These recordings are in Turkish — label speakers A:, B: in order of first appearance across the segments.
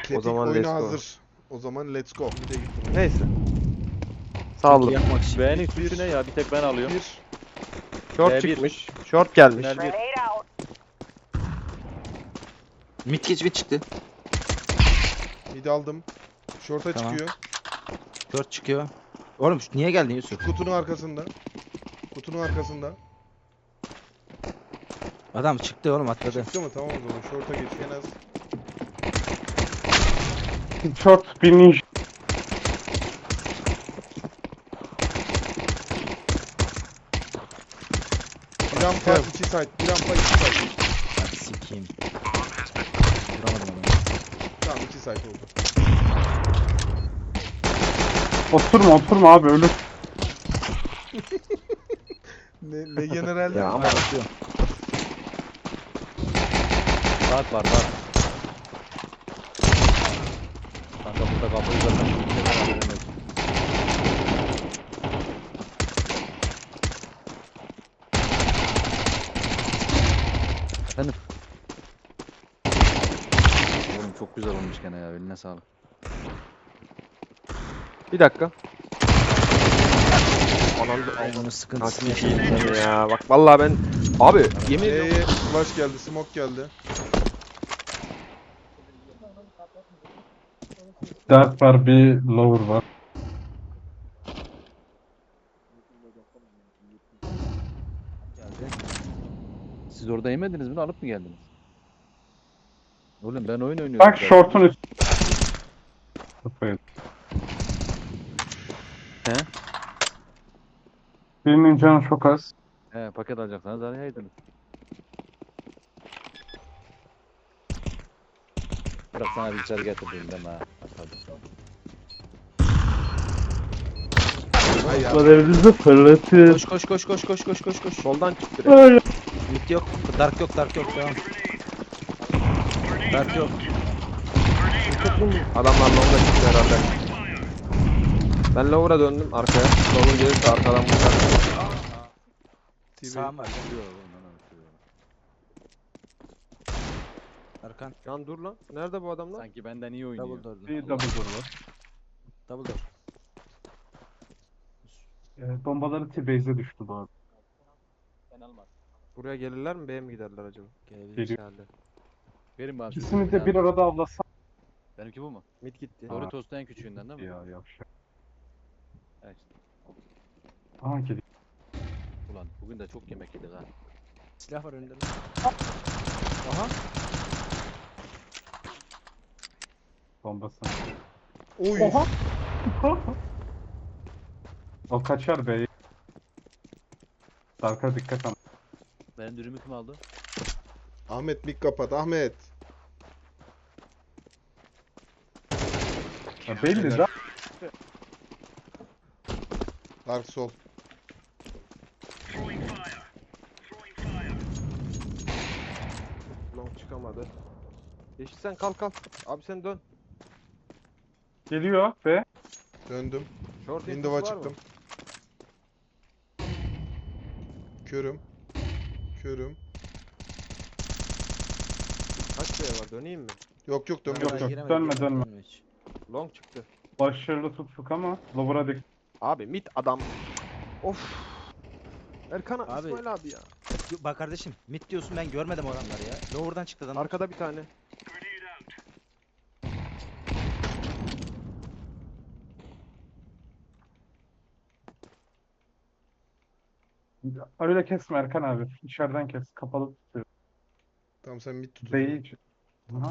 A: Tetik
B: zaman
A: oyuna
B: let's go.
A: hazır. O zaman let's go. Bir de gittim.
B: Neyse. Saldım.
C: Yapmak için.
D: Beğenin
A: Bir-
D: suçu ne ya? Bir tek ben alıyorum.
A: Bir.
B: Short
D: B1.
B: çıkmış. Short gelmiş.
D: Tünel 1.
C: Mid geç mid çıktı.
A: Mid aldım. Short'a
C: Tamam.
A: çıkıyor.
C: 4 çıkıyor. Oğlum niye geldin Yusuf?
A: Kutunun arkasında. Kutunun arkasında.
C: Adam çıktı oğlum atladı.
A: Çıktı mı? Tamam o zaman. Short'a geç. En az.
E: Short bir ninja.
A: Bir rampa 2 side. Bir rampa 2 side.
C: Hadi sikeyim. Vuramadım adamı.
A: Tamam 2 side oldu.
E: Oturma abi ölür.
A: Ne generalde?
B: Ya ama
C: Atıyor.
D: Saat var. Kanka burada kapıyı zaten.
C: Efendim?
D: Oğlum çok güzel olmuş gene ya. Eline sağlık.
B: bir dakika.
C: Onun sıkıntısını
B: Nasıl
C: yaşadım.
B: yiyeyim ya? Bak vallahi ben abi yemin ediyorum.
A: Flash geldi. Smoke geldi.
E: Dert var bir lower var.
D: Siz orada yemediniz mi? Alıp mı geldiniz? Oğlum ben oyun oynuyorum.
E: Bak short'un üstü.
D: He?
E: Birinin canı çok az.
D: He, paket alacaksanız arayaydınız. Bırak sana bir içeri getirdim deme ha.
A: Ay ya.
E: Evinizi fırlatır.
C: Koş.
B: Soldan çık direkt.
C: Mid yok. Dark yok devam. Dark yok.
B: Adamlar long'a çıktı herhalde. Ben lower'a döndüm arkaya. Lower gelirse arkadan vuracak.
C: Sağım var. Arkan.
B: Lan dur lan. Nerede bu adamlar?
D: Sanki benden iyi oynuyor.
C: Double door.
E: Bir double door var.
C: Double door.
E: Bombaları T-base'e düştü bu arada.
B: Buraya gelirler mi? B'ye mi giderler acaba?
C: Gelebilir.
B: Herhalde.
D: Verin bana.
E: İkisini de bir arada avlasam.
D: Benimki bu mu?
B: Mid gitti.
D: Doritos'ta en küçüğünden değil mi?
E: Ya yavşak.
D: Evet.
E: Aha geliyor.
D: Ulan bugün de çok yemek yedik ha.
C: Silah var önünde.
B: Aha.
E: Bombası.
A: Oy.
E: Oha. O kaçar be. Dark'a dikkat ama.
D: Benim dürümü kim aldı?
A: Ahmet mik kapat. Ahmet.
E: Ya belli de.
A: Dark sol.
B: Long çıkamadı. Yeşil sen kalk. Abi sen dön.
E: Geliyor be.
A: Döndüm.
B: Short
A: Window'a
B: infosu var mı?
A: çıktım. Körüm.
B: Kaç B var? Döneyim mi?
A: Yok
E: Yok,
A: dönmüyorum.
E: dönme.
C: Hiç.
B: Long çıktı.
E: Başarılı tuttuk ama lower'a dikkat.
B: Abi mid adam. Of. Erkan
C: Abi.
B: İsmail abi ya.
C: Bak kardeşim mid diyorsun ben görmedim o adamları ya. Lower'dan çıktı adam.
B: Arkada bir tane.
E: Öyle kesme Erkan abi. İçeriden kes. Kapalı tutuyor.
A: Tamam sen mid tut.
E: Değil. Aha,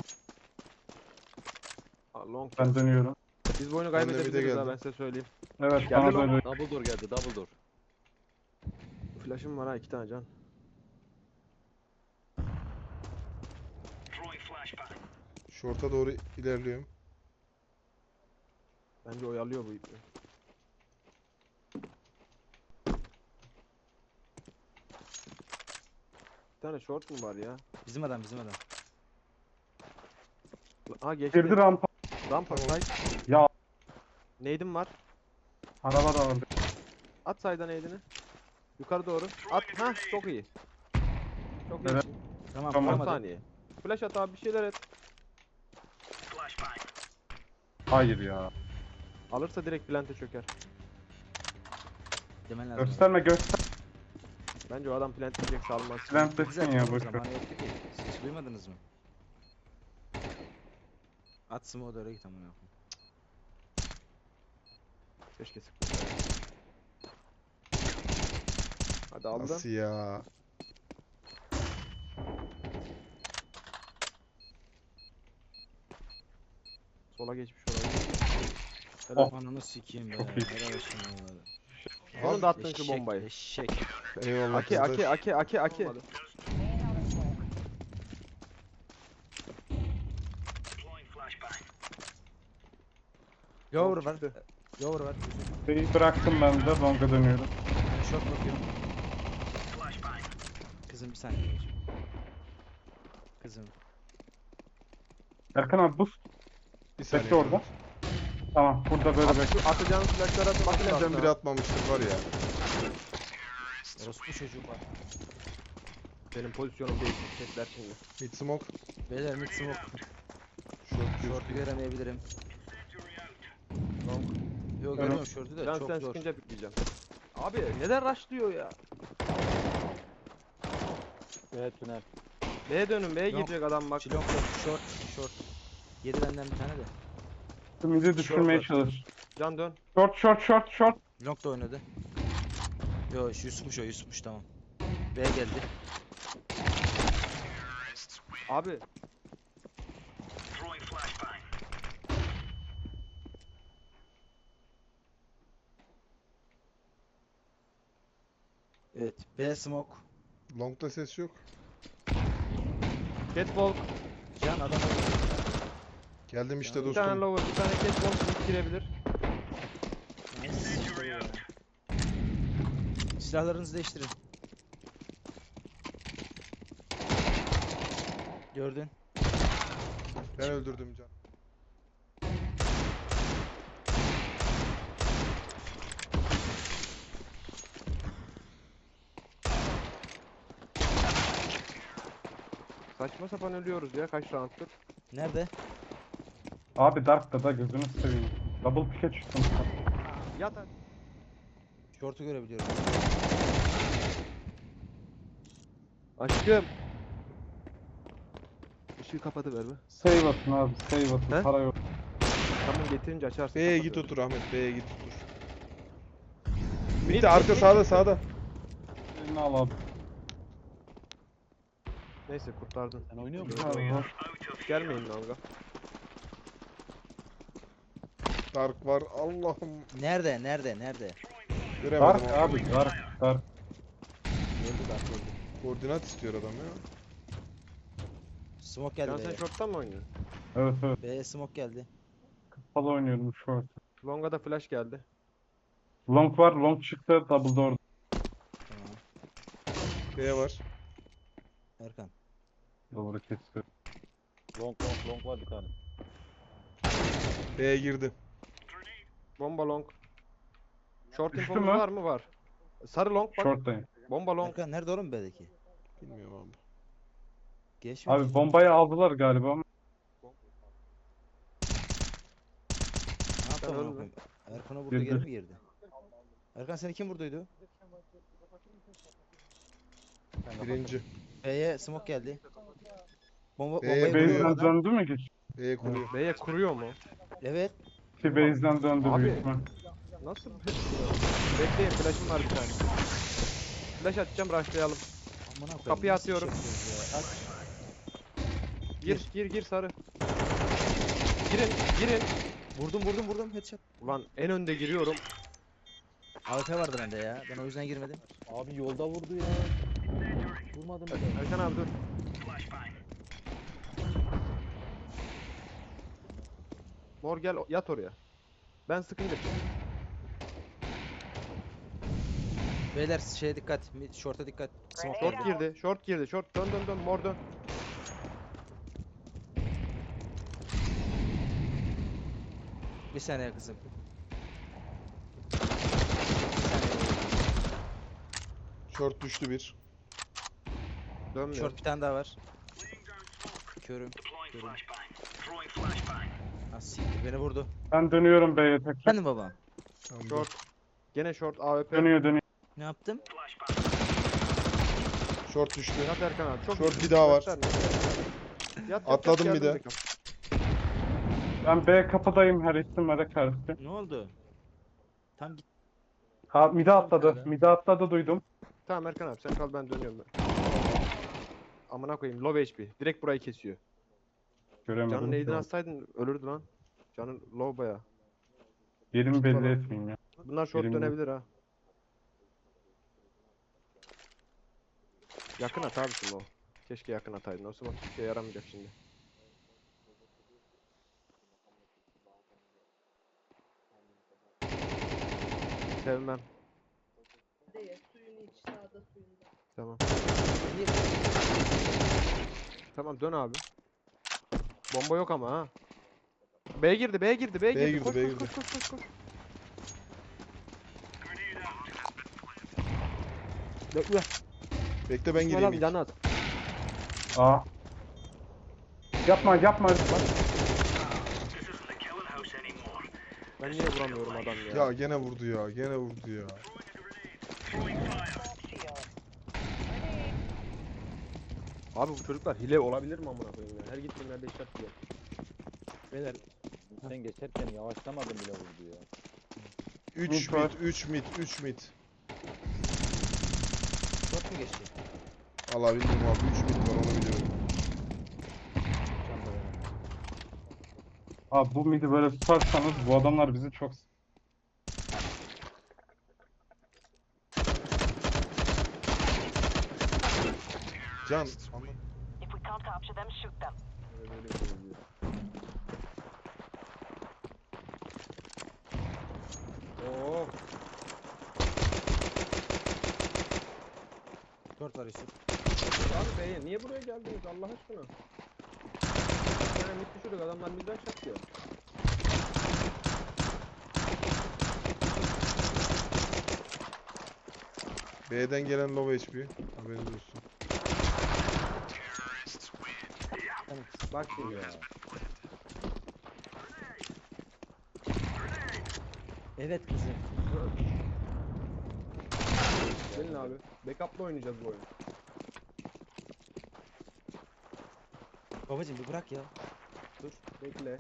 B: Long.
E: ben dönüyorum.
B: Biz bu oyunu
A: Ben de mid'e
B: kaybedebiliriz ha
A: geldim.
B: ben size söyleyeyim.
E: Evet
B: Geldi
E: bana
B: lan.
E: böyle.
D: Double door geldi, double door.
B: Flash'ım var ha 2 tane can.
A: Short'a doğru ilerliyorum.
B: Bence oyalıyor bu ipi. Bir tane short mu var ya?
C: Bizim adam.
B: Ha geçti.
E: Girdi rampa.
B: Rampa side.
E: Ya.
B: Nade'im var.
E: Araba da vardı.
B: At side'a nade'ini. Yukarı doğru. At. Ha çok iyi. Çok iyi.
E: Evet.
C: Tamam.
E: Tamam.
B: 10
C: vuramadı.
B: saniye. Flash at abi bir şeyler et.
E: Hayır ya.
B: Alırsa direkt plante çöker.
C: Demen lazım.
E: Gösterme göster.
B: Bence o adam plant diyecek salmaz.
E: Plant
C: Güzel,
E: desin ya
C: tamam,
E: boşver.
C: zamanı yoktu ki. Siz hiç duymadınız mı? At smoke'u da öyle git amına koyayım.
B: Keşke sıkmasaydı. Hadi aldım.
A: Nasıl ya?
B: Sola geçmiş olabilir.
E: Oh.
C: Ananı sikeyim be.
E: Çok iyi.
C: Helal olsun vallahi.
B: Onun da attın şu
C: Eşek,
B: bombayı.
C: Eşek.
A: Eyvallah
B: Aki
A: kardeş.
B: aki.
C: Lower var.
B: çıktı.
C: Lower var.
E: B'yi bıraktım ben de. Long'a dönüyorum.
C: Ben short bakıyorum. Kızım bir saniye. babacığım. Kızım.
E: Erkan abi boost.
A: Bir saniye.
E: Bekle orada. Tamam burada böyle bekle.
B: Atacağın flashları atın.
A: Makineden biri atmamıştır var ya.
C: Orospu çocuk var.
B: Benim pozisyonum değiştirecekler şimdi.
A: Mid smoke.
C: Beyler mid smoke.
A: Short
C: Short'u göremeyebilirim.
B: Long.
C: Yok görüyorum short'u da
B: Can
C: çok
B: sen
C: zor.
B: sıkınca pikleyeceğim. Abi neden rushlıyor ya?
D: Evet tünel.
B: B'ye dönün, B'ye
C: Long.
B: girecek adam bak.
C: Long short. Yedi benden bir tane de.
E: Ümidi düşürmeye
B: Short var.
E: çalış.
B: Can dön.
E: Short.
C: Long da oynadı. Yo Yusuf'muş tamam. B geldi.
B: Abi
C: Evet. B smoke.
A: Long'da ses yok.
B: catwalk.
C: Can adam
A: Geldim işte
B: Bir tane
A: dostum.
B: lower, bir tane catwalk mid girebilir.
C: Silahlarınızı değiştirin. Gördün.
A: Ben öldürdüm can.
B: Saçma sapan ölüyoruz ya kaç rounddur.
C: Nerede?
E: Abi Dark'ta da gözünü seveyim. Double pick'e çıktım.
B: Yat hadi.
C: Short'u görebiliyorum.
B: Aşkım. Işığı kapatıver be.
E: Save atın abi. Save atın.
B: He?
E: Para yok.
B: Tamam getirince açarsın.
A: B'ye
B: kapatıver.
A: git otur Ahmet. B'ye git otur. Mid de arka sağda.
E: Elini al abi.
B: Neyse kurtardın.
D: Sen oynuyor musun?
E: Abi, hoş.
B: Gelmeyin dalga.
A: Dark var. Allah'ım.
C: Nerede?
A: Göremedim
E: Dark
A: ama.
E: abi. Dark.
C: Gördü bak gördü.
A: Koordinat istiyor adam ya.
C: Smoke geldi
B: Can sen
C: B'ye.
B: short'tan mı oynuyorsun?
E: Evet.
C: B'ye smoke geldi.
E: Kapalı oynuyorum short.
B: Long'a da flash geldi.
E: Long var. Long çıktı. Double door.
C: Tamam.
A: B var.
C: Erkan.
E: Doğru kesiyor.
D: Long var bir tane.
A: B'ye girdi.
B: Bomba long. Short
E: Düştü
B: infomuz
E: mü?
B: var mı? Var. Sarı long bak.
E: Short'tayım.
B: Bomba long.
C: Erkan nerede oğlum B'deki?
A: Bilmiyorum abi.
C: Geçmiyor.
E: Abi bombayı aldılar galiba ama.
C: Ne yaptı
B: Ben
C: amına
B: öldüm.
C: koyayım? Erkan'a vurdu
E: Girdi.
C: geri mi girdi? Erkan seni kim vurduydu?
A: Birinci.
C: B'ye smoke geldi.
A: B'ye
C: Bombayı
A: vuruyor.
C: vuruyor
E: Base'den
C: adam.
E: döndü mü geç?
A: B'ye kuruyor.
B: B'ye kuruyor mu?
C: Evet.
E: Ki base'den döndü
B: Abi.
E: büyük ihtimal.
B: Nasıl? Bekleyin flash'ım var bir tane. Flash atacağım rushlayalım.
C: Amına koyayım.
B: Kapıyı
C: nasıl iş
B: atıyorum.
C: yapıyoruz ya? At.
B: Gir sarı. Girin.
C: Vurdum headshot.
B: Ulan en önde giriyorum.
C: AWP vardı bende ya. Ben o yüzden girmedim.
D: Abi yolda vurdu ya. Vurmadım bile.
B: Erkan abi dur. Mor gel yat oraya. Ben sıkınca.
C: Beyler şeye dikkat. Short'a dikkat. Smoke geldi.
B: Short girdi. Short dön mor dön.
C: Bir saniye kızım.
A: Short düştü bir.
B: Dönmüyor.
C: Short bir tane daha var. Körüm. siktir beni vurdu.
E: Ben dönüyorum B'ye tekrar.
C: Efendim baba.
A: Tamam,
B: Short. Gene short AWP.
E: Dönüyor.
C: Ne yaptım?
A: Short düştü.
B: Yat Erkan abi. Çok
A: Short
B: iyi.
A: bir daha var.
B: Göster. Yat,
A: Atladım bir
B: geldim
A: de.
B: backup.
E: Ben B kapıdayım her ihtimale karşı.
C: Ne oldu? Tam git.
E: Ha mide atladı.
C: Nerede?
E: Mide atladı duydum.
B: Tamam Erkan abi sen kal ben dönüyorum ben. Amına koyayım low HP. Direkt burayı kesiyor.
E: Göremedim.
B: Canın neydin atsaydın ölürdü lan. Canın low baya.
E: Yerimi belli
B: falan.
E: etmeyeyim ya.
B: Bunlar short
E: Birim yok.
B: dönebilir ha. Yakın at abisin o. Keşke yakın ataydın. O zaman hiçbir şeye yaramayacak şimdi. Sevmem.
F: Değil, suyunu iç, sağda suyunda.
B: Tamam. Tamam dön abi. Bomba yok ama ha. B girdi, B girdi, B girdi.
A: girdi,
B: Koş,
A: B
B: koş,
A: girdi.
B: koş, koş, koş, koş. Bekle.
A: Bekle ben
B: İsmail
A: gireyim
B: abi
A: ilk.
B: yana at.
E: Aa. Yapma.
B: Ben niye vuramıyorum adam ya?
A: Ya gene vurdu ya. Gene vurdu ya.
B: Abi bu çocuklar hile olabilir mi amına koyayım ya? Her gittiğim yerde işaret diyor.
D: Beyler sen geçerken yavaşlamadın bile vurdu ya.
A: 3
E: Mid var.
A: mid, 3 mid, 3 mid.
C: Short mu geçti?
A: Allah bilmiyorum abi 3 mid var onu biliyorum.
D: Çanta benim.
E: Abi bu midi böyle tutarsanız bu adamlar bizi çok...
A: Can.
G: If we can't capture them, shoot them.
B: Böyle bir şey diyor. Oo.
C: Short var Yusuf.
B: Abi B'ye niye buraya geldiniz Allah aşkına? Yani mid düşürdük adamlar midden çakıyor.
A: B'den gelen low HP. Haberiniz olsun.
B: Bak şimdi ya.
D: Evet kızım.
B: Gelin abi. Backup'la oynayacağız bu oyunu.
C: Babacım bir bırak ya.
B: Dur. Bekle.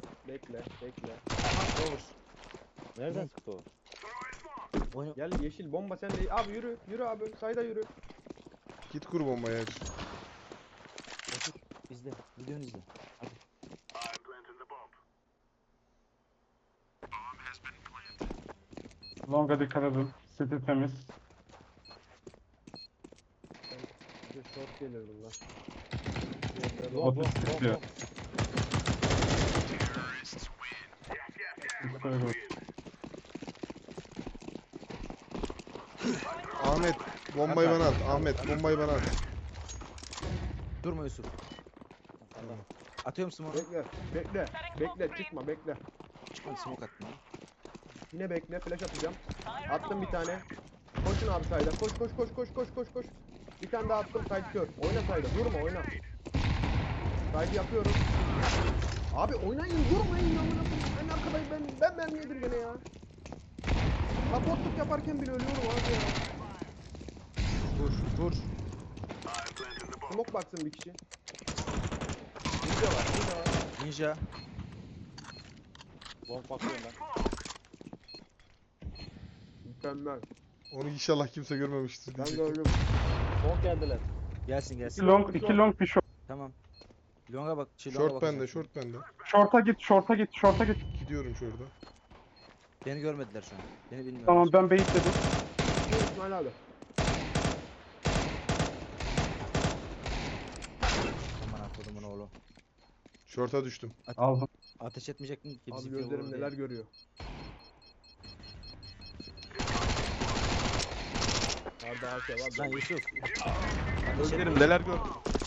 D: Nereden çıktı o?
C: Oyna.
B: Gel yeşil bomba sen de. Abi yürü. Yürü abi. Sayda yürü.
A: Git kur bombayı aç.
C: Otur. İzle. Videonu izle. Hadi.
E: Longa dikkat edin. City temiz.
B: Bir de short gelir bunlar.
E: Otis tutuyor. Şöyle dur.
A: Ahmet bombayı bana at. Ahmet bombayı bana at.
C: Durma Yusuf. Atıyor musun onu?
B: Bekle. Çıkma bekle.
C: Hadi smoke attım.
B: Yine bekle. Flash atacağım. Attım bir tane. Koşun abi sayda. Koş. Bir tane daha attım. Side kör. Oyna sayda. Durma oyna. Side yapıyorum. Abi oynayın durmayın amına koyayım. En arkadayım ben mermi yedim gene ya. Supportluk yaparken bile ölüyorum abi ya. Vur. Smoke baksın bir kişi. Ninja var.
C: Ninja.
D: Long bakıyorum ben.
B: Mükemmel.
A: Onu inşallah kimse görmemiştir
B: Ben
A: diyecektim.
B: gördüm.
D: Long geldiler.
C: Gelsin.
E: 2 long bir short.
C: Tamam. Longa bak. Longa
A: Short
C: bakacağım.
A: bende, short bende.
E: Short'a git.
A: Gidiyorum şurada.
C: Beni görmediler şu an. Beni bilmiyorlar.
E: Tamam ben baitledim.
B: İsmail abi.
C: Aman akıllımın oğlu.
A: Short'a düştüm.
E: Aldım.
C: Ateş etmeyecektin ki
B: Abi
C: bizi
B: gözlerim neler görüyor. Arda Asya var.
C: Lan Yusuf.
B: Gözlerim neler gördü.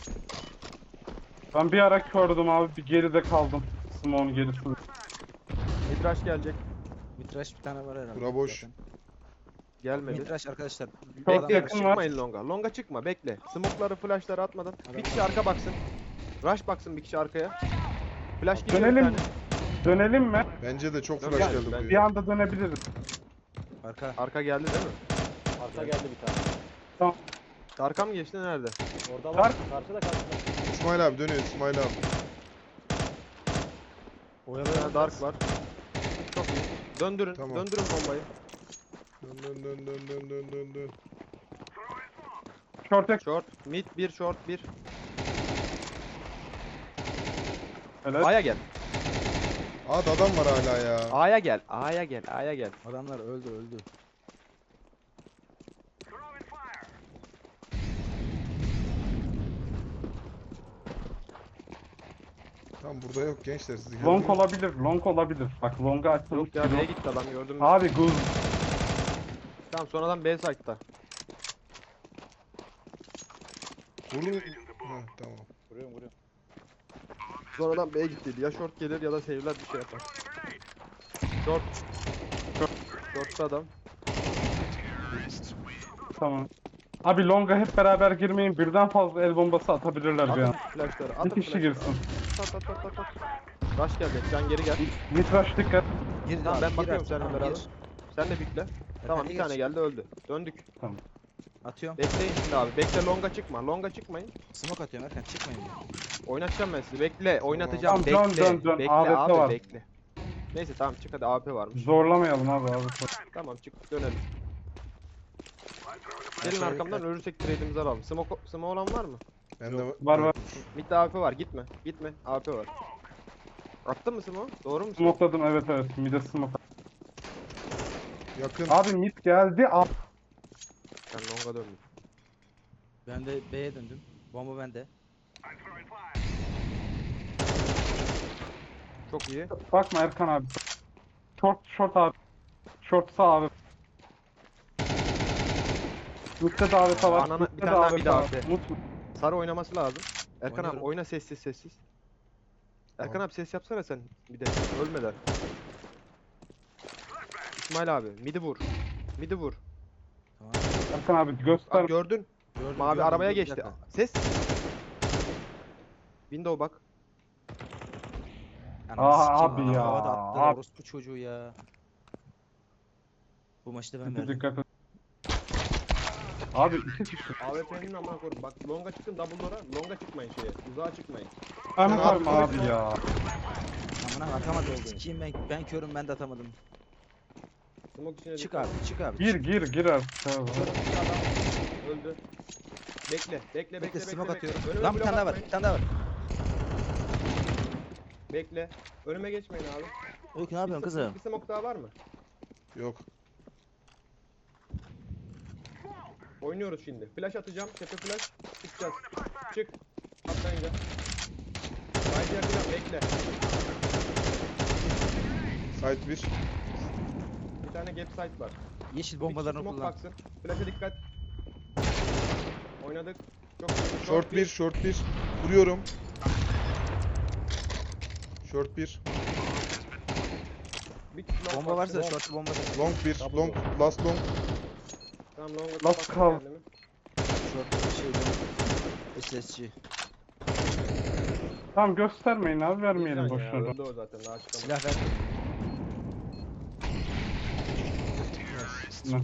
E: Ben bir ara kördüm abi. Bir geride kaldım. Smoke'un gerisinde.
B: Midrash gelecek.
C: Mitraş bir tane var herhalde.
A: Bura boş.
C: zaten.
B: Gelmedi.
C: Mitraş arkadaşlar.
B: Bekle
E: yakın var.
B: çıkmayın longa. Longa çıkma bekle. Smoke'ları flash'ları atmadan. Bir kişi arka baksın. Rush baksın bir kişi arkaya. Flash gidiyor bir
E: Dönelim.
B: tane.
E: Dönelim mi?
A: Bence de çok
B: Dön
A: flash
B: gel,
A: geldi
B: ben-
E: Bir
A: buraya.
E: anda dönebiliriz.
C: Arka.
B: Arka geldi değil mi?
D: Arka geldi bir tane.
E: Tamam.
B: Arka mı geçti nerede?
D: Orada var.
E: Dark.
D: Karşıda karşıda.
A: İsmail abi dönüyor İsmail abi.
B: Bir tane dark var. Çok iyi. Döndürün.
A: Tamam.
B: Döndürün bombayı.
A: Dön dön dön dön dön dön dön dön.
E: Short ek.
B: Short. Mid 1 short 1.
E: Evet.
B: A'ya gel.
A: At adam var hala ya.
B: A'ya gel. A'ya gel. A'ya gel.
C: Adamlar öldü.
A: Tam burada yok gençler siz
E: Long
A: geldiniz.
E: olabilir. Long olabilir. Bak long'a açılmış.
B: Yok ya B'ye gitti adam gördün mü?
E: Abi guz.
B: Tamam sonradan B site'da.
A: Vurun. Heh, tamam.
D: Vuruyorum vuruyorum.
B: Sonradan B'ye gittiydi. Ya short gelir ya da save'ler bir şey yapar. Short. Short'ta adam.
E: Tamam. Abi long'a hep beraber girmeyin. Birden fazla el bombası atabilirler bir
B: Atın
E: an.
B: flashları.
E: Bir
B: Atın
E: kişi
B: flashları.
E: girsin.
B: At. Rush gelecek. Can geri gel.
E: Mitraş dikkat.
C: Gir
B: Tamam,
C: abi,
B: ben
C: gir
B: bakıyorum
C: artık,
B: seninle
C: tamam,
B: beraber.
C: gir.
B: Sen de pikle. Tamam bir
C: gir.
B: tane geldi öldü. Döndük.
C: Atıyorum.
B: Bekleyin şimdi abi. Bekle longa çıkma. Longa çıkmayın.
C: Smoke atıyorum Erkan çıkmayın.
B: Oynatacağım ben sizi. Bekle. Oynatacağım.
E: Tamam,
B: Bekle.
E: dön.
B: Bekle
E: AWP
B: abi
E: var.
B: bekle. Neyse tamam çık hadi AP varmış.
E: Zorlamayalım abi.
B: Tamam çık dönelim. Gelin arkamdan ölürsek trade'imizi alalım. Smoke olan var mı?
A: Bende
E: Var.
B: Mid'de AP var. Gitme. Gitme. AP var. Attın mı smoke? Doğru mu?
E: Smokladım evet. Mide smoke.
A: Yakın.
E: Abi mid geldi.
B: Ben longa döndüm.
C: Ben de B'ye döndüm. Bomba bende.
B: Çok iyi.
E: Bakma Erkan abi. Short abi. Short sağ abi. Mid'de davet var.
B: Anana-
E: Mid'de
B: bir tane daha
E: davet
B: mid
E: var.
B: AWP.
E: Unutma.
B: Sarı oynaması lazım. Erkan abi
C: Oynuyorum.
B: oyna sessiz. Erkan
A: Tamam.
B: abi ses yapsana sen bir de ölmeden. İsmail abi midi vur. Midi vur.
C: Tamam.
E: Erkan abi göster.
B: Bak gördün.
C: Gördüm,
B: Mavi
C: gördüm,
B: arabaya
C: dur, bir
B: geçti.
C: dakika.
B: Ses. Window bak.
C: Ananı
E: Aa,
C: sikeyim,
E: abi
C: adam
E: ya,
C: havada attı,
E: abi.
C: orospu çocuğu ya. Bu maçta ben
E: Mid'e
C: verdim.
E: dikkat et. Abi iki kişi.
B: AWP'nin amına koydum. Bak longa çıkın double door'a. Longa çıkmayın şeye. Uzağa çıkmayın.
E: Ahmet
A: Abi,
E: abi ya.
C: Amına atamadım. Sikeyim ben körüm ben de atamadım.
B: Smoke içine
C: Çık
B: dikkat.
C: abi çık abi.
E: Gir artık. abi.
B: Bir adam öldü. Bekle.
C: Bekle smoke atıyorum.
B: Önüme
C: Lan bir
B: blok
C: tane daha var.
B: atmayın.
C: Bir tane daha var.
B: Bekle. Önüme geçmeyin abi.
C: Öykü ne yapıyorsun kızım?
B: Bir smoke daha var mı?
A: Yok.
B: Oynuyoruz şimdi. Flash atacağım. Tepe flash. Çıkacağız. Çık. Atlayınca. Haydi yapacağım. Bekle.
A: Site 1.
B: Bir tane gap site var.
C: Yeşil
B: Bir
C: bombalarını
B: smoke
C: kullan.
B: baksın. Flash'a dikkat. Oynadık. Çok iyi.
A: Short 1, short 1. Vuruyorum. Short 1.
B: Bir long
C: Bomba varsa
B: baksın.
C: short bomba da.
A: Long 1. Long. Last long.
B: Tamam long
E: Last
B: baksın
E: call.
B: kendimi.
C: Short şeyden. SSC.
E: Tamam göstermeyin abi vermeyelim
B: Güzel ya,
E: boşuna.
B: öldü o zaten daha çıkamaz.
C: Silah ver.
E: Ne?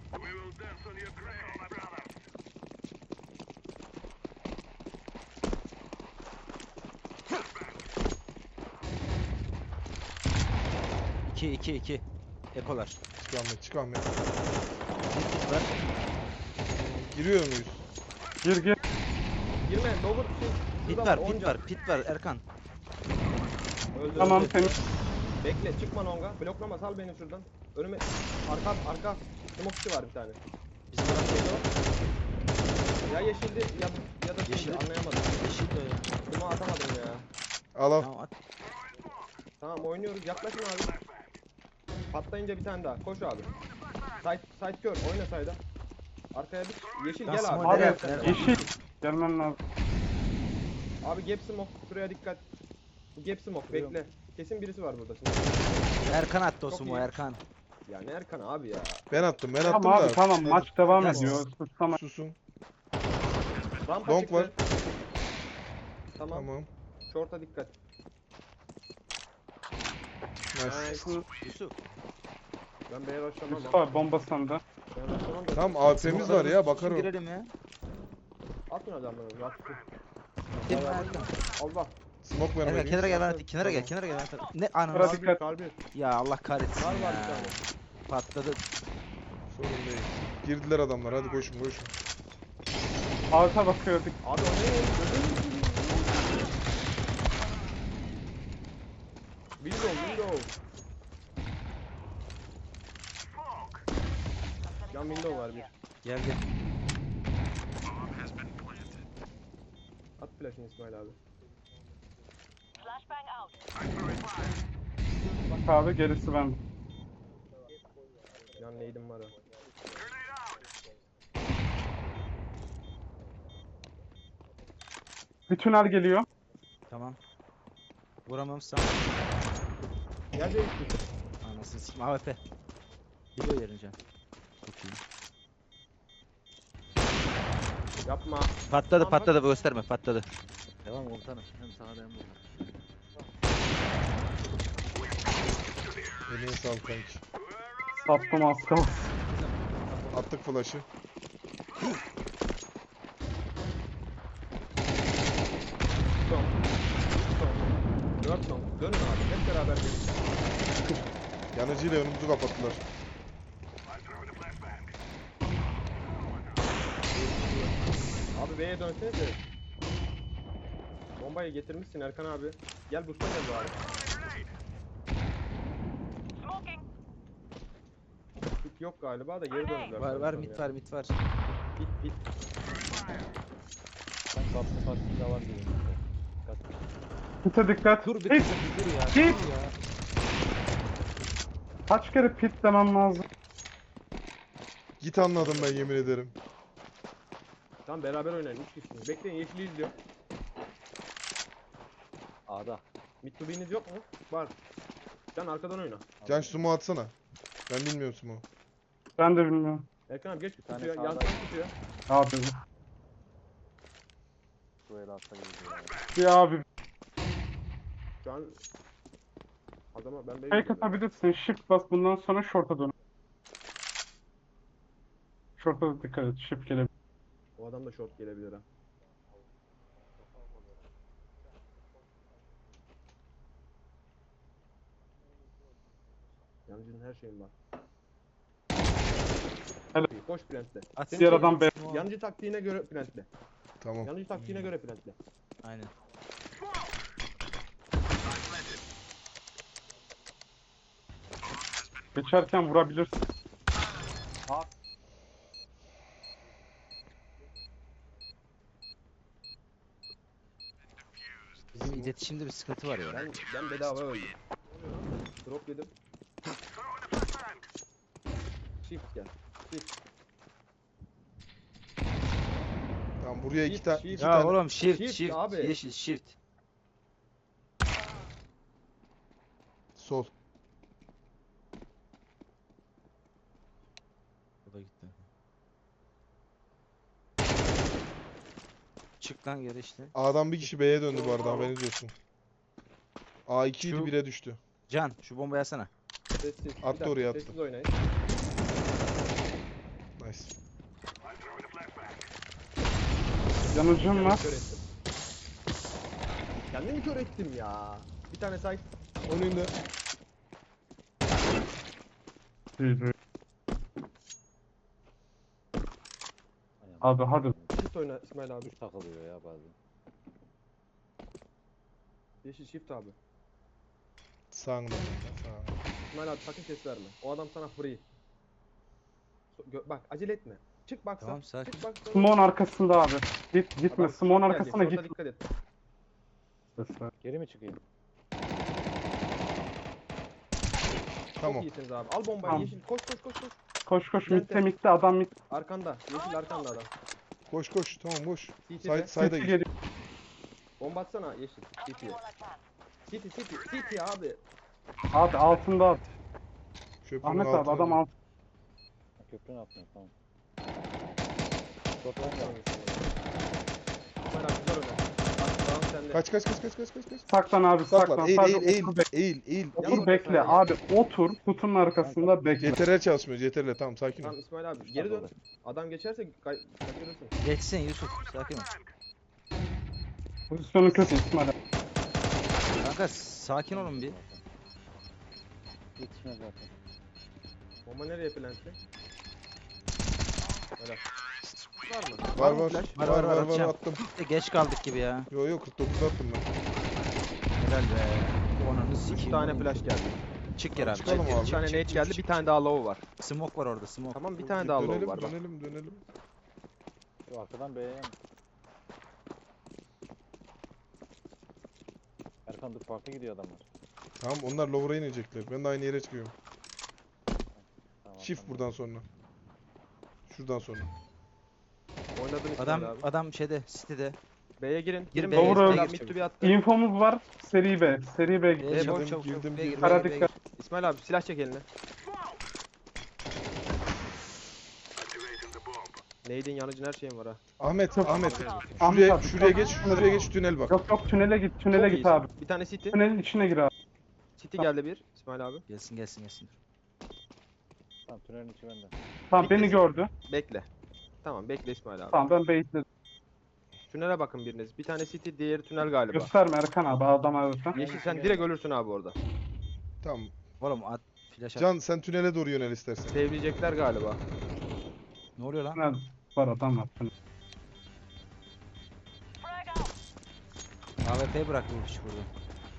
C: İki. Ekolar.
A: Çık Ahmet, çık Ahmet.
C: Kit ver.
A: Giriyor muyuz?
E: Gir.
B: Girme lower şey.
C: Pit
B: şurada
C: var,
B: on
C: pit
B: can.
C: var, pit var Erkan.
B: Öldü,
E: Tamam
B: öldü.
E: temiz.
B: Bekle çıkma longa. Bloklama sal beni şuradan. Önüme. Arka. Smokeçi var bir tane.
C: Bizim adam
B: Neydi o? Ya yeşildi ya da
C: Yeşil.
B: yeşildi anlayamadım.
C: yeşil de ya.
B: Kuma atamadım ya.
A: Al al.
C: Tamam at.
B: Tamam oynuyoruz. Yaklaşın abi. Patlayınca bir tane daha. Koş abi. Side kör. Oyna side'a. Arkaya bir. Yeşil
C: Ben
B: gel abi.
C: smoke
E: Abi
C: nereye
B: Gel.
C: attın?
E: yeşil. Gelmen lazım.
B: Abi gap smoke. Şuraya dikkat. Bu gap smoke.
C: Görüyorum.
B: Bekle. Kesin birisi var burada. Smoke.
C: Erkan attı o
B: Çok
C: sumo
B: iyi.
C: Erkan.
B: Ya ne Erkan abi ya.
A: Ben attım da.
E: Tamam abi tamam
A: Hadi.
E: maç devam
C: Ya
E: ediyor. Tamam.
A: Susun.
B: Rampa
A: Long
B: çıktı.
A: var.
B: Tamam.
A: Tamam.
B: Short'a dikkat.
A: Nice.
C: Yusuf.
B: Ben B'ye başlamam.
E: Yusuf abi bomba sende.
B: Ben başlamam da.
A: Tamam AWP'miz var ya bakar o.
C: Girelim ya.
B: Atın adamları. Bak.
C: Gel Erkan.
B: Allah.
A: Smoke
C: Erkan
A: vermeliyim.
C: kenara gel ben kenara gel kenara gel. Ne ananı
E: Biraz
C: s-
E: dikkat.
B: Kalbi.
C: Ya Allah kahretsin
B: Var var
C: ya.
B: bir tane.
C: Patladı.
A: Sorun değil. Girdiler adamlar hadi koşun koşun.
E: Alta bakıyorduk.
B: Abi o ne? Gözünü seveyim. Window. Yan window var bir.
C: Gel gel.
B: At flash'ını İsmail abi.
G: Flashbang out.
E: Bak abi gerisi bende.
B: Yan neydim var ha.
E: Bir tünel geliyor.
C: Tamam. Vuramam sana.
B: Gel de üstü.
C: Anasını sikim AWP. Biliyor yerince. Çok iyi.
B: Yapma.
C: Patladı
B: Tamam,
C: patladı gösterme patladı.
D: Devam komutanım. Hem sağda hem burada.
A: Eline sağlık kanki.
E: Sattım az kalsın.
A: Attık flash'ı.
B: Son. Son. 4 son. Dönün abi. Hep beraber gelin.
A: Yanıcıyla önümüzü kapattılar.
B: Abi B'ye dönsenize. Bombayı getirmişsin Erkan abi. Gel boost'a gel bari.
G: Smoking.
B: Hit yok galiba da geri döndüler.
C: Var var
B: sanırsam
C: mit
B: ya.
C: var mit var.
B: Hit.
D: Ben kaplı farkında var gibi. Dikkat.
E: Pite dikkat.
C: Dur bir
E: Pit.
C: dur dur ya.
E: Git.
C: Dur ya.
E: Kaç kere pit demem lazım.
A: Git anladım ben yemin ederim.
B: Tamam beraber oynayın. 3 kişisiniz. Bekleyin yeşili izliyor.
D: A'da.
B: Mid to B'niz yok mu? Var. Can arkadan oyna.
A: Can şu sumo atsana. Ben bilmiyorum sumo.
E: Ben de bilmiyorum.
B: Erkan abi geç
D: tane
B: tutuyor.
D: sağdan-
B: Yansın tutuyor.
E: Abi.
D: Bu el atsa gibi ya.
E: Bir abi.
B: Şu an adama ben B'ye
E: Fake
B: gidiyorum.
E: atabilirsin. Shift bas bundan sonra short'a dön. Short'a da dikkat et. Shift gelebilir.
B: O adam da short gelebilir ha. Yancının her şeyin var.
E: Helal.
B: Koş plantle.
C: At.
B: Senin
E: Diğer
B: şey-
E: adam B.
B: Yancı taktiğine göre plantle.
A: Tamam.
B: Yancı taktiğine göre plantle.
C: Aynen.
E: Geçerken vurabilirsin.
C: Bizim iletişimde bir sıkıntı var ya.
B: Ben bedava öldüm. Drop yedim. Shift gel. Shift.
A: Tamam buraya iki
B: Shift,
A: tane
B: shift.
A: iki
C: Ya
A: tane
C: oğlum shift
B: Shift
C: shift
B: abi.
C: yeşil shift.
A: sol.
C: O da gitti. Çık lan geri işte.
A: A'dan bir kişi B'ye döndü bu arada haberiniz olsun. A2 idi
C: Şu-
A: 1'e düştü.
C: Can şu bombayı alsana.
B: Sessiz. Bir
A: Attı
B: dakika,
A: oraya, attı.
B: Sessiz oynayın.
A: Nice.
E: Yanıcım var.
B: Kör ettim. Kendimi kör ettim ya. Bir tane say.
A: Onun da
E: GG.
D: Aynen.
E: Abi hadi.
B: Shift oyna İsmail abi.
D: Düz takılıyor ya bazen.
B: Yeşil shift abi.
A: sağında. Sağında.
B: İsmail abi sakın ses verme. O adam sana free. Bak acele etme. Çık baksa.
C: Tamam, sakin.
B: Çık baksa.
E: Smoke'un arkasında abi. Gitme.
B: Adam
E: Smoke'un
B: short
E: arkasına
B: gelecek,
E: git.
B: short'a dikkat et.
E: Sesler.
D: Geri mi çıkayım?
A: Tamam.
B: Çok iyisiniz abi. Al bombayı
E: Tamam.
B: yeşil. Koş koş koş koş.
E: Koş koş.
B: Center.
E: Mitte mitte adam mitte.
B: Arkanda. Yeşil arkanda adam.
A: Koş koş. Tamam koş.
B: CT'de.
A: Sayda git.
E: geliyor.
B: Bomba atsana yeşil. CT'ye.
G: All advance.
B: CT abi.
E: Abi altında at.
A: Köprünün
E: Ahmet abi
A: altına
E: adam
A: dön.
E: alt.
D: Köprünün altına tamam.
B: Çok iyi. İsmail abi güzel oyna. Bak, tamam sen bende.
A: Kaç.
E: Saklan abi
A: Saklan.
E: saklan.
A: Eğil
E: Sadece
A: eğil
E: otur
A: eğil. Eğil.
E: Otur bekle abi otur kutunun arkasında bekle.
A: CTRL çalışmıyor. CTRL tamam sakin ol.
B: Tamam İsmail abi geri dön. Adam geçerse kaçırırsın.
C: Geçsin Yusuf. Sakin ol.
E: Pozisyonu kötü İsmail abi.
C: Kanka sakin olun bir.
D: Yetişmez zaten.
B: Bomba nereye plantli? Helal. Var mı?
A: Var
B: mı
A: var.
B: flash?
A: Var
C: atacağım.
A: attım.
C: Geç kaldık gibi ya.
A: Yo 49 attım ben.
C: Helal be. Onanı
B: 3
C: sikeyim.
B: tane
C: oğlum.
B: flash geldi.
C: Çık geri abi.
A: Çıkalım
C: çık geri,
A: abi.
B: Bir tane
C: çık,
B: nade
C: çık,
B: geldi.
C: çık,
B: Bir
C: çık.
B: tane daha low var.
C: Smoke var orada smoke.
B: Tamam bir tane daha low
A: Dönelim
B: var bak.
A: dönelim.
D: Şu arkadan B'ye mi? Erkan dur farklı gidiyor adamlar.
A: Tamam onlar lower'a inecekler. Ben de aynı yere çıkıyorum.
D: Tamam,
A: Shift
D: tamam.
A: buradan sonra. Şuradan sonra.
B: Oynadın İsmail
C: Adam
B: abi.
C: adam şeyde City'de.
B: B'ye girin. Girin
C: B'ye,
B: B'ye.
E: Doğru.
B: İsmail abi mid to be attı.
E: İnfomuz var. Seri B. Seri B gidiyor.
C: B'ye
A: Girdim,
C: çabuk çabuk
A: girdim,
C: çabuk. B'ye gir,
A: girdim.
C: B'ye
E: Kara
C: gir, B'ye
E: dikkat.
C: gir.
B: İsmail abi silah çek eline. Nade'in yanıcın her şeyin var ha.
A: Ahmet.
E: Ahmet
A: Şuraya
E: abi,
A: şuraya
E: çok-
A: geç. Şuraya geç tünel bak.
E: Yok tünele git. Tünele
B: Çok
E: git
B: iyisin.
E: abi.
B: Bir tane city.
E: Tünelin içine gir abi.
B: City geldi bir. İsmail abi.
C: Gelsin.
D: Tamam tünelin içi bende.
E: Tamam beni gördü.
B: Bekle. Tamam bekle İsmail abi.
E: Tamam ben baitledim.
B: Tünele bakın biriniz. Bir tane city, diğeri tünel galiba.
E: Gösterme Erkan abi adam arasın.
B: Yeşil sen direkt ölürsün abi orada.
A: Tamam.
C: Oğlum at flash at.
A: Can sen tünele doğru yönel istersen.
B: Sevleyecekler galiba.
C: Ne oluyor lan?
E: Tünel var adam var. Tünel.
C: AWP'yi bıraktı bu piç burada.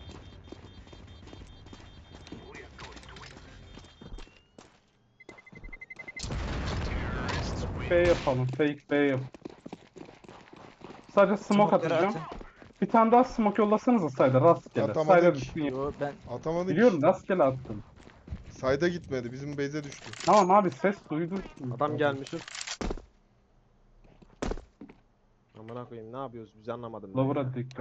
E: B yapalım. Fake B yap. Sadece smoke
C: Smoke'ları
E: atacağım.
C: atın.
E: Bir tane daha smoke yollasanıza sayda rastgele.
A: Atamadık.
E: Sayda düşsün ya.
C: Yo ben
A: Atamadık.
E: Biliyorum rastgele attım.
A: Sayda gitmedi. Bizim base'e düştü.
E: Tamam abi ses duydum.
B: Adam gelmiş. Amına koyayım ne yapıyoruz biz anlamadım. ben.
E: Lower'a dikkat.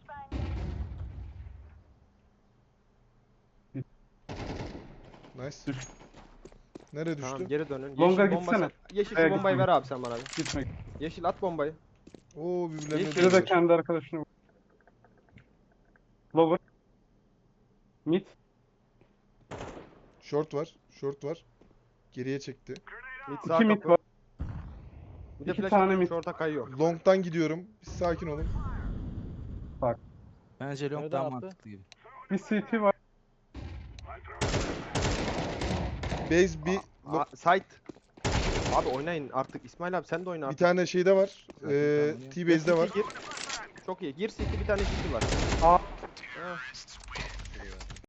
A: Nice.
E: Düş.
A: Nereye düştü?
B: Tamam geri dönün.
E: Longa
B: Yeşil bomba
E: gitsene.
B: sen. Yeşil
E: A'ya
B: şu bombayı
E: gitme.
B: ver abi sen bana bir.
E: Gitmek.
B: Yeşil at bombayı.
A: Oo birbirlerine
B: Yeşil.
E: Biri de
A: değdiler.
E: kendi arkadaşını vur. Lower. Mid.
A: Short var. Geriye çekti.
B: Mid sağ
E: İki mid
B: kapı.
E: var.
B: Bir de
E: İki
B: flash
E: tane
B: atayım,
E: mid.
B: short'a kayıyor.
A: Long'dan gidiyorum. Bir sakin olun.
C: bence long
D: Nereden
C: daha
D: attı?
C: mantıklı gibi.
E: Bir CT var.
A: Base bir
B: Site. Abi oynayın artık. İsmail abi sen de oyna
A: bir
B: artık.
A: tane şeyde var.
C: Zaten
A: T-base'de var.
B: Gir. Çok iyi. Gir city bir tane city var.
E: Aa.
B: Ha.